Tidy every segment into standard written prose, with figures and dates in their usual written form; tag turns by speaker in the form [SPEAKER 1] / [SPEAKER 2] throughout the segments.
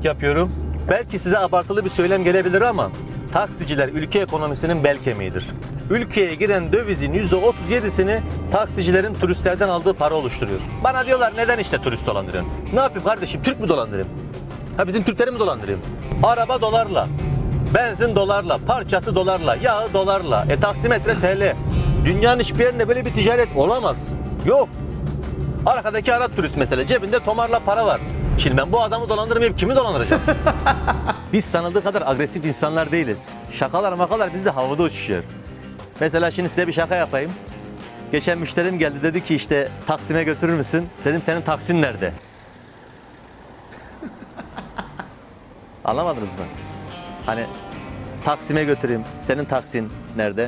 [SPEAKER 1] taksicilik yapıyorum. Belki size abartılı bir söylem gelebilir ama taksiciler ülke ekonomisinin bel kemiğidir. Ülkeye giren dövizin %37'sini taksicilerin turistlerden aldığı para oluşturuyor. Bana diyorlar neden işte turist dolandırıyorsun? Ne yapayım kardeşim, Türk mü dolandırayım? Ha, bizim Türkleri mi dolandırayım? Araba dolarla, benzin dolarla, parçası dolarla, yağı dolarla, taksimetre TL. Dünyanın hiçbir yerinde böyle bir ticaret olamaz. Yok. Arkadaki Arap turist mesela, cebinde tomarla para var. Şimdi ben bu adamı dolandırmayıp kimi dolandıracağım? Biz sanıldığı kadar agresif insanlar değiliz. Şakalar makalar bizde havada uçuşuyor. Mesela şimdi size bir şaka yapayım. Geçen müşterim geldi, dedi ki işte Taksim'e götürür müsün? Dedim senin taksin nerede? Anlamadınız mı? Hani Taksim'e götüreyim, senin taksin nerede?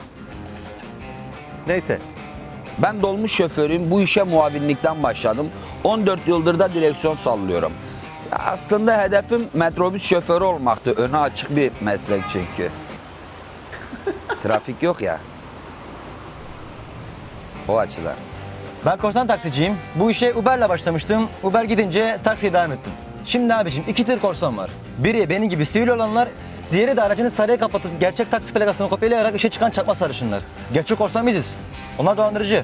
[SPEAKER 1] Neyse.
[SPEAKER 2] Ben dolmuş şoförüyüm. Bu işe muavinlikten başladım. 14 yıldır da direksiyon sallıyorum. Ya aslında hedefim metrobüs şoförü olmaktı. Öne açık bir meslek çünkü. Trafik yok ya. O açıdan.
[SPEAKER 3] Ben korsan taksiciyim. Bu işe Uber'le başlamıştım. Uber gidince taksiye devam ettim. Şimdi abicim 2 tür korsan var. Biri benim gibi sivil olanlar, diğeri de aracını sarıya kapatıp gerçek taksi plakasını kopyalayarak işe çıkan çakma sarışınlar. Gerçek korsan biziz. Onlar dolandırıcı.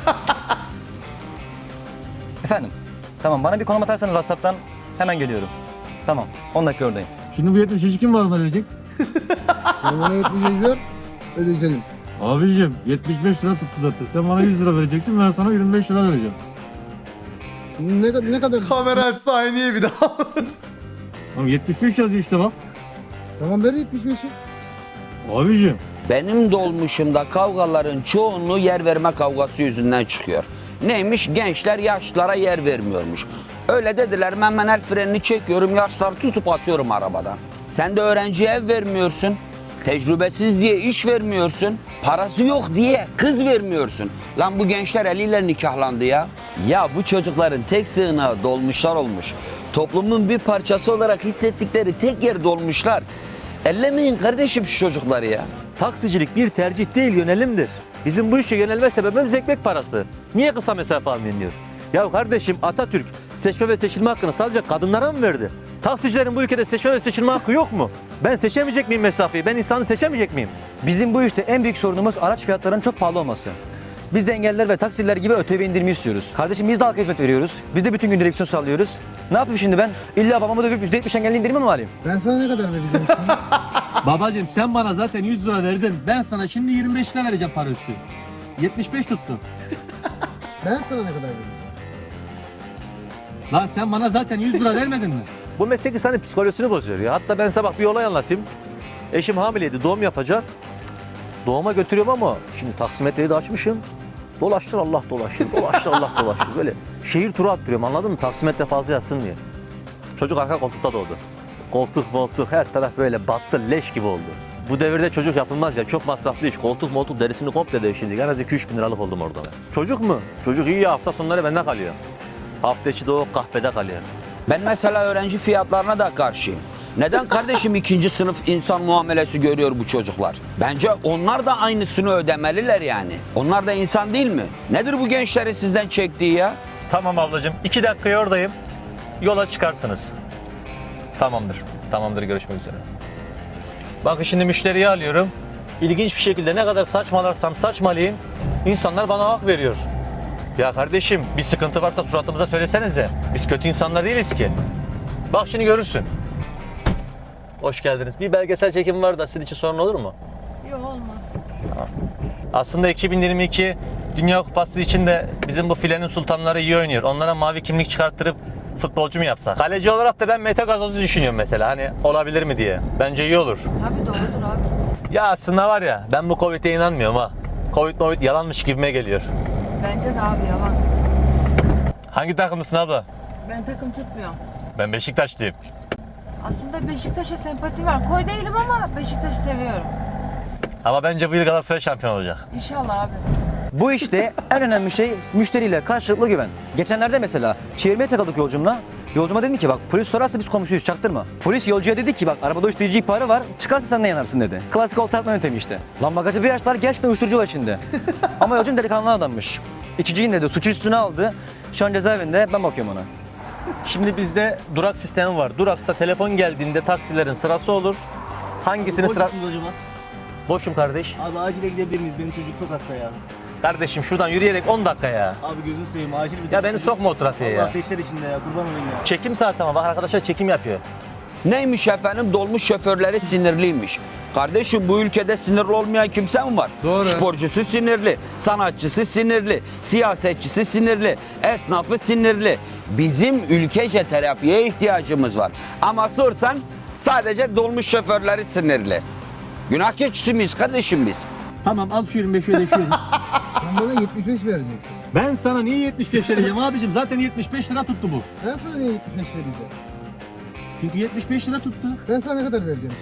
[SPEAKER 3] Efendim? Tamam, bana bir konum atarsanız WhatsApp'tan hemen geliyorum. Tamam, 10 dakika oradayım.
[SPEAKER 4] Şimdi bu 70 kim var mı ödeyecek?
[SPEAKER 5] Sen bana 75 ver, ödeyelim.
[SPEAKER 4] Abicim 75 lira tuttu zaten. Sen bana 100 lira vereceksin, ben sana 25 lira vereceğim.
[SPEAKER 5] Ne kadar?
[SPEAKER 6] Kamera açsa aynı bir daha.
[SPEAKER 4] Tamam 75 yazıyor işte bak.
[SPEAKER 5] Tamam ver 75'i.
[SPEAKER 4] Abicim.
[SPEAKER 2] Benim dolmuşumda kavgaların çoğunluğu yer verme kavgası yüzünden çıkıyor. Neymiş? Gençler yaşlılara yer vermiyormuş. Öyle dediler, ben el frenini çekiyorum, yaşları tutup atıyorum arabadan. Sen de öğrenciye ev vermiyorsun. Tecrübesiz diye iş vermiyorsun. Parası yok diye kız vermiyorsun. Lan bu gençler eliyle nikahlandı ya. Ya bu çocukların tek sığınağı dolmuşlar olmuş. Toplumun bir parçası olarak hissettikleri tek yer dolmuşlar. Ellemeyin kardeşim şu çocukları ya.
[SPEAKER 1] Taksicilik bir tercih değil, yönelimdir. Bizim bu işe yönelme sebebimiz ekmek parası. Niye kısa mesafe almayın? Ya kardeşim, Atatürk seçme ve seçilme hakkını sadece kadınlara mı verdi? Taksicilerin bu ülkede seçme ve seçilme hakkı yok mu? Ben seçemeyecek miyim mesafeyi? Ben insanı seçemeyecek miyim?
[SPEAKER 3] Bizim bu işte en büyük sorunumuz araç fiyatlarının çok pahalı olması. Biz de engelliler ve taksiciler gibi ÖTV indirimi istiyoruz. Kardeşim biz de halka hizmet veriyoruz. Biz de bütün gün direksiyon sallıyoruz. Ne yapayım şimdi ben? İlla babamı dövüp %70 engelli indirimi mi alayım?
[SPEAKER 5] Ben sana ne kadar vereceğim şimdi?
[SPEAKER 4] Babacım sen bana zaten 100 lira verdin. Ben sana şimdi 25 lira vereceğim para üstü. 75 tuttu.
[SPEAKER 5] Ben sana ne kadar vereceğim?
[SPEAKER 4] Lan sen bana zaten 100 lira vermedin mi?
[SPEAKER 1] Bu meslek insanın psikolojisini bozuyor ya. Hatta ben sabah bir olay anlatayım. Eşim hamileydi, doğum yapacak. Doğuma götürüyorum ama şimdi taksimetreyi de açmışım. Dolaştır Allah dolaştır, dolaştır Allah dolaştır. Böyle şehir turu attırıyorum, anladın mı? Taksimetre fazla yatsın diye. Çocuk arka koltukta doğdu. Koltuk her taraf böyle battı, leş gibi oldu. Bu devirde çocuk yapılmaz ya, çok masraflı iş. Koltuk derisini komple değiştirdik. En az 2-3 bin liralık oldum orada. Çocuk mu? Çocuk iyi ya, hafta sonları bende kalıyor. Hafta içi de o kahvede kalıyor.
[SPEAKER 2] Ben mesela öğrenci fiyatlarına da karşıyım. Neden kardeşim ikinci sınıf insan muamelesi görüyor bu çocuklar? Bence onlar da aynısını ödemeliler yani. Onlar da insan değil mi? Nedir bu gençlerin sizden çektiği ya?
[SPEAKER 1] Tamam ablacığım, 2 dakikaya oradayım. Yola çıkarsınız. Tamamdır, görüşmek üzere. Bakın şimdi müşteriyi alıyorum. İlginç bir şekilde ne kadar saçmalarsam saçmalayayım, insanlar bana hak veriyor. Ya kardeşim, bir sıkıntı varsa suratımıza söylesenize. Biz kötü insanlar değiliz ki. Bak şimdi görürsün. Hoş geldiniz. Bir belgesel çekimi var da sizin için sorun olur mu?
[SPEAKER 7] Yok, olmaz.
[SPEAKER 1] Aslında 2022 Dünya Kupası için de bizim bu filenin sultanları iyi oynuyor. Onlara mavi kimlik çıkarttırıp futbolcu mu yapsak? Kaleci olarak da ben Mete Gazoz'u düşünüyorum mesela. Hani olabilir mi diye. Bence iyi olur.
[SPEAKER 7] Tabii doğrudur abi.
[SPEAKER 1] Ya aslında var ya, ben bu Covid'e inanmıyorum ha. Covid yalanmış gibime geliyor.
[SPEAKER 7] Bence de abi yalan.
[SPEAKER 1] Hangi takımlısın abla?
[SPEAKER 7] Ben takım tutmuyorum.
[SPEAKER 1] Ben Beşiktaşlıyım.
[SPEAKER 7] Aslında Beşiktaş'a sempati var. Koy değilim ama Beşiktaş'ı seviyorum.
[SPEAKER 1] Ama bence bu yıl Galatasaray şampiyon olacak.
[SPEAKER 7] İnşallah abi.
[SPEAKER 3] Bu işte en önemli şey müşteriyle karşılıklı güven. Geçenlerde mesela çevirmeye takıldık yolcumla. Yolcuma dedim ki bak polis sorarsa biz komşuyuz, çaktırma. Polis yolcuya dedi ki bak arabada uyuşturucu ihbarı var, çıkarsa sen de yanarsın dedi. Klasik olta atma yöntemi işte. Lan bagajı bir açtılar, gerçekten uyuşturucu var içinde. Ama yolcum delikanlı adammış. İçiciyi dedi, suçu üstüne aldı. Şu an cezaevinde, ben bakıyorum ona.
[SPEAKER 1] Şimdi bizde durak sistemi var. Durakta telefon geldiğinde taksilerin sırası olur. Hangisini sıra...
[SPEAKER 4] Boş musunuz acaba?
[SPEAKER 1] Boşum kardeş.
[SPEAKER 4] Abi acile gidebilir miyiz? Benim çocuk çok hasta ya.
[SPEAKER 1] Kardeşim şuradan yürüyerek 10 dakika ya.
[SPEAKER 4] Abi gözünü seveyim acil bir
[SPEAKER 1] Ya beni sokma o trafiğe
[SPEAKER 4] Allah
[SPEAKER 1] ya.
[SPEAKER 4] ateşler içinde ya kurban olayım ya.
[SPEAKER 1] Çekim saati ama bak arkadaşlar çekim yapıyor.
[SPEAKER 2] Neymiş efendim? Dolmuş şoförleri sinirliymiş. Kardeşim bu ülkede sinirli olmayan kimse mi var?
[SPEAKER 6] Doğru.
[SPEAKER 2] Sporcusu sinirli, sanatçısı sinirli, siyasetçisi sinirli, esnafı sinirli. Bizim ülkece terapiye ihtiyacımız var. Ama sorsan sadece dolmuş şoförleri sinirli. Günah keçisi miyiz kardeşim biz?
[SPEAKER 4] Tamam al şu 25'i ödeşiyoruz.
[SPEAKER 5] Sen bana 75 vereceksin.
[SPEAKER 4] Ben sana niye 75 vereceğim abicim? Zaten 75 lira tuttu bu.
[SPEAKER 5] Ben sana niye 75 vereceğim?
[SPEAKER 4] Çünkü 75 lira tuttu.
[SPEAKER 5] Ben sana ne kadar vereceğim?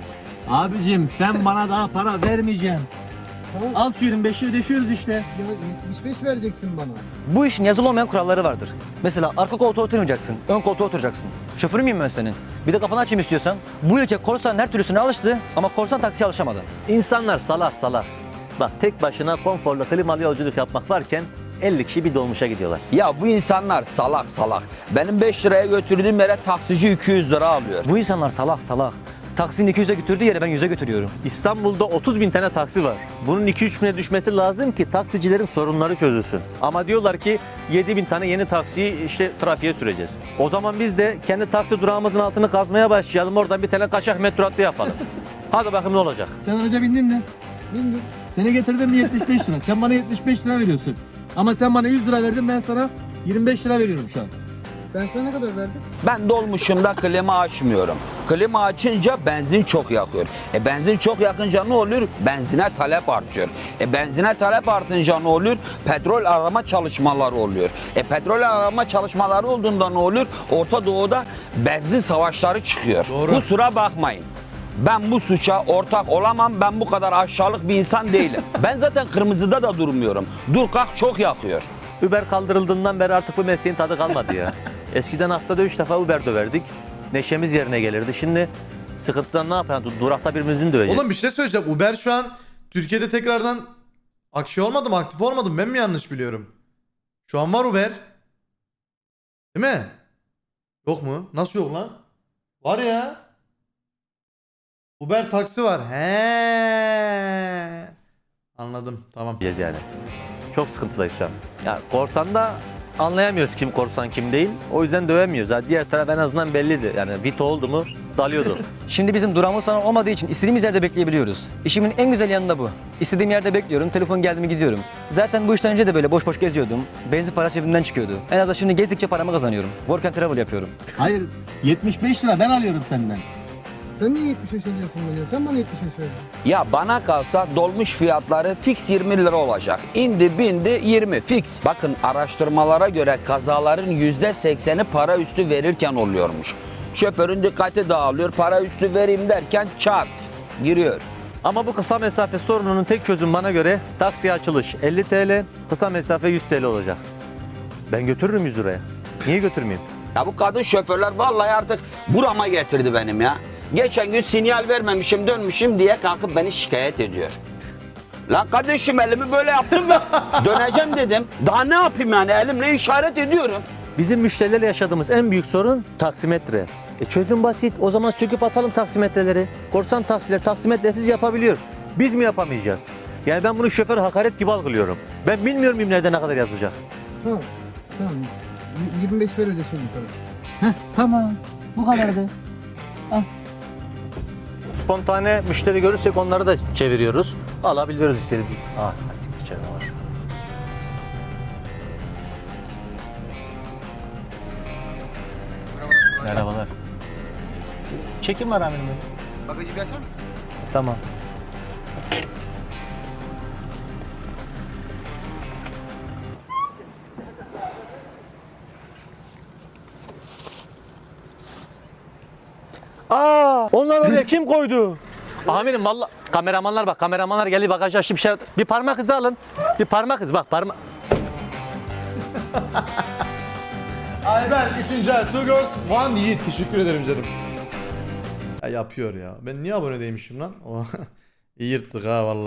[SPEAKER 4] Abicim sen bana daha para vermeyeceksin.
[SPEAKER 5] Tamam.
[SPEAKER 4] Al şu 25'i ödeşiyoruz işte.
[SPEAKER 5] Ya 75 vereceksin bana.
[SPEAKER 3] Bu işin yazılı olmayan kuralları vardır. Mesela arka koltuğa oturmayacaksın, ön koltuğa oturacaksın. Şoförü müyüm ben senin? Bir de kafanı açayım istiyorsan. Bu ülke korsanın her türlüsüne alıştı ama korsan taksiye alışamadı.
[SPEAKER 1] İnsanlar salak salak. Bak tek başına konforlu klimalı yolculuk yapmak varken 50 kişi bir dolmuşa gidiyorlar.
[SPEAKER 2] Ya bu insanlar salak salak. Benim 5 liraya götürdüğüm yere taksici 200 lira alıyor.
[SPEAKER 3] Bu insanlar salak salak. Taksinin 200'e götürdüğü yere ben 100'e götürüyorum.
[SPEAKER 1] İstanbul'da 30 bin tane taksi var. Bunun 2-3 bine düşmesi lazım ki taksicilerin sorunları çözülsün. Ama diyorlar ki 7 bin tane yeni taksiyi işte trafiğe süreceğiz. O zaman biz de kendi taksi durağımızın altını kazmaya başlayalım. Oradan bir tane kaçak metro hattı yapalım. Hadi bakayım ne olacak.
[SPEAKER 4] Sen araca bindin mi?
[SPEAKER 5] Bindim.
[SPEAKER 4] Seni getirdim mi 75 lira. Sen bana 75 lira veriyorsun. Ama sen bana 100 lira verdin ben sana 25 lira veriyorum şu an.
[SPEAKER 5] Ben sana ne kadar verdim?
[SPEAKER 2] Ben dolmuşumda klima açmıyorum. Klima açınca benzin çok yakıyor. Benzin çok yakınca ne oluyor? Benzine talep artıyor. Benzine talep artınca ne oluyor? Petrol arama çalışmaları oluyor. Petrol arama çalışmaları olduğunda ne oluyor? Orta Doğu'da benzin savaşları çıkıyor.
[SPEAKER 6] Doğru.
[SPEAKER 2] Kusura bakmayın. Ben bu suça ortak olamam. Ben bu kadar aşağılık bir insan değilim. Ben zaten kırmızıda da durmuyorum. Dur kalk çok yakıyor.
[SPEAKER 1] Uber kaldırıldığından beri artık bu mesleğin tadı kalmadı ya. Eskiden haftada 3 defa Uber döverdik. Neşemiz yerine gelirdi. Şimdi sıkıntıdan ne yapalım? Durakta birbirimizin döveceğiz.
[SPEAKER 6] Oğlum bir şey söyleyeceğim. Uber şu an Türkiye'de tekrardan olmadı mı? Aktif olmadı mı? Ben mi yanlış biliyorum? Şu an var Uber. Değil mi? Yok mu? Nasıl yok lan? Var ya. Uber taksi var. He. Anladım. Tamam.
[SPEAKER 1] Yani. Çok sıkıntıdayız şu an. Ya korsanda anlayamıyoruz kim korsan kim değil. O yüzden dövemiyoruz. Ha, diğer taraf en azından belliydi. Yani Vito oldu mu dalıyordu.
[SPEAKER 3] Şimdi bizim durağımız falan olmadığı için istediğimiz yerde bekleyebiliyoruz. İşimin en güzel yanı da bu. İstediğim yerde bekliyorum, telefon geldi mi gidiyorum. Zaten bu işten önce de böyle boş boş geziyordum. Benzin para cebimden çıkıyordu. En azından şimdi gezdikçe paramı kazanıyorum. Work and travel yapıyorum.
[SPEAKER 4] Hayır 75 lira ben alıyorum senden.
[SPEAKER 5] Sen niye 75 veriyorsun bana? Sen bana 75 verdin.
[SPEAKER 2] Ya bana kalsa dolmuş fiyatları fix 20 lira olacak. İndi bindi 20 fix. Bakın araştırmalara göre kazaların %80'i para üstü verirken oluyormuş. Şoförün dikkati dağılıyor, para üstü vereyim derken çat giriyor.
[SPEAKER 1] Ama bu kısa mesafe sorununun tek çözümü bana göre taksiye açılış 50 TL, kısa mesafe 100 TL olacak. Ben götürürüm 100 liraya. Niye götürmeyeyim?
[SPEAKER 2] Ya bu kadın şoförler vallahi artık burama getirdi benim ya. Geçen gün sinyal vermemişim dönmüşüm diye kalkıp beni şikayet ediyor. Lan kardeşim elimi böyle yaptım ve döneceğim dedim. Daha ne yapayım yani elimle işaret ediyorum.
[SPEAKER 1] Bizim müşterilerle yaşadığımız en büyük sorun taksimetre. Çözüm basit. O zaman söküp atalım taksimetreleri. Korsan taksiler taksimetresiz yapabiliyor. Biz mi yapamayacağız? Yani ben bunu şoför hakaret gibi algılıyorum. Ben bilmiyor muyum nerede ne kadar yazacak?
[SPEAKER 5] Tamam. Tamam. 25 ver ödeşelim sana.
[SPEAKER 4] Heh tamam bu kadardı.
[SPEAKER 1] Spontane müşteri görürsek onları da çeviriyoruz. Alabiliyoruz istediğimiz. Ah, siktir canavar. Merhabalar. Çekim var amirim.
[SPEAKER 5] Bagajı bir açar mısın?
[SPEAKER 1] Tamam. Aa, onlar oraya kim koydu? Amirim vallahi kameramanlar bak, kameramanlar geldi bagajı açtı bir parmak izi alın. Bir parmak izi bak parmak.
[SPEAKER 6] Ayber 3. ay. Two girls, one yiğit. Teşekkür ederim canım. Ya yapıyor ya. Ben niye abone değilmişim lan? İyi yırttık ha vallahi.